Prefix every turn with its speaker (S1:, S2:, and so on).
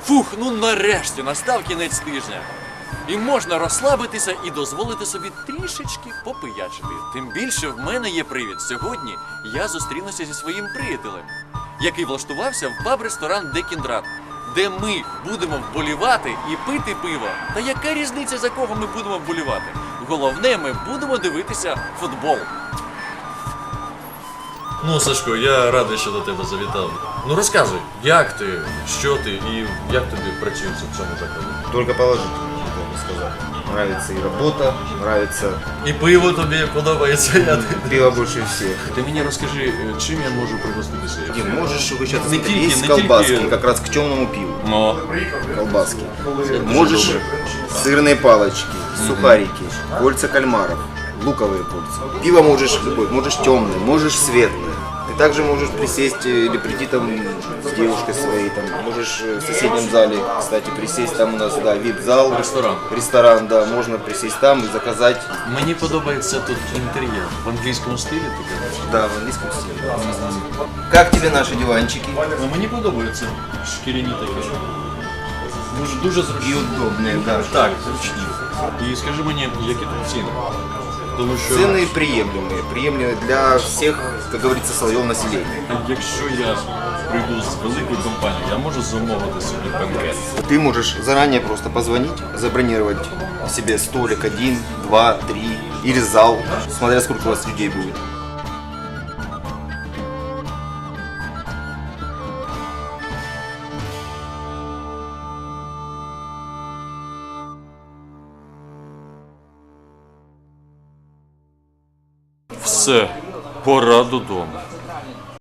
S1: Фух, ну нарешті настав кінець тижня. І можна розслабитися і дозволити собі трішечки попиячити. Тим більше в мене є привід. Сьогодні я зустрінуся зі своїм приятелем, який влаштувався в паб-ресторан Де Кіндрат, де ми будемо вболівати і пити пиво. Та яка різниця, за кого ми будемо вболівати? Головне, ми будемо дивитися футбол. Ну, Сашко, я радий, що до тебе завітав. Ну розказуй, як ти, що ти і як тобі працюється в цьому закладі?
S2: Только положительно, можно сказать. Нравится и работа, нравится
S1: І пиво тобі подобається.
S2: пиво больше всех.
S1: Ти мені розкажи, чим я можу пригоститися?
S2: Дим, можешь угощаться,
S1: Не
S2: смотри,
S1: тільки-
S2: есть
S1: не
S2: колбаски,
S1: тільки-
S2: как раз к темному пиву.
S1: Ну,
S2: Колбаски.
S1: дуже
S2: Можешь
S1: добре.
S2: сырные палочки, сухарики, кольца кальмаров, луковые кольца. Пиво можешь любое, можешь темное, можешь светлое. Ты также можешь присесть или прийти там с девушкой своей, там, можешь в соседнем зале, кстати, присесть, там у нас, да, вип-зал.
S1: Ресторан.
S2: Ресторан, да, можно присесть там и заказать,
S1: Мені подобається тут інтер'єр. В англійському стилі ти кажеш?
S2: да, в английском стиле. Как тебе наши диванчики?
S1: Ну, мені подобається. Шкіряні такі. Дуже
S2: И
S1: зручні.
S2: удобные, да.
S1: Так, зручні. І скажи мені, які тут ціни? Тому що
S2: Цены приемлемые для всех, как говорится, слоев населения.
S1: якщо я прийду з великою компанією, я можу замовити собі бенкет.
S2: Ты можешь заранее просто позвонить, забронировать себе столик 1, 2, 3 или зал, смотря сколько у вас людей будет.
S1: Все, пора додому.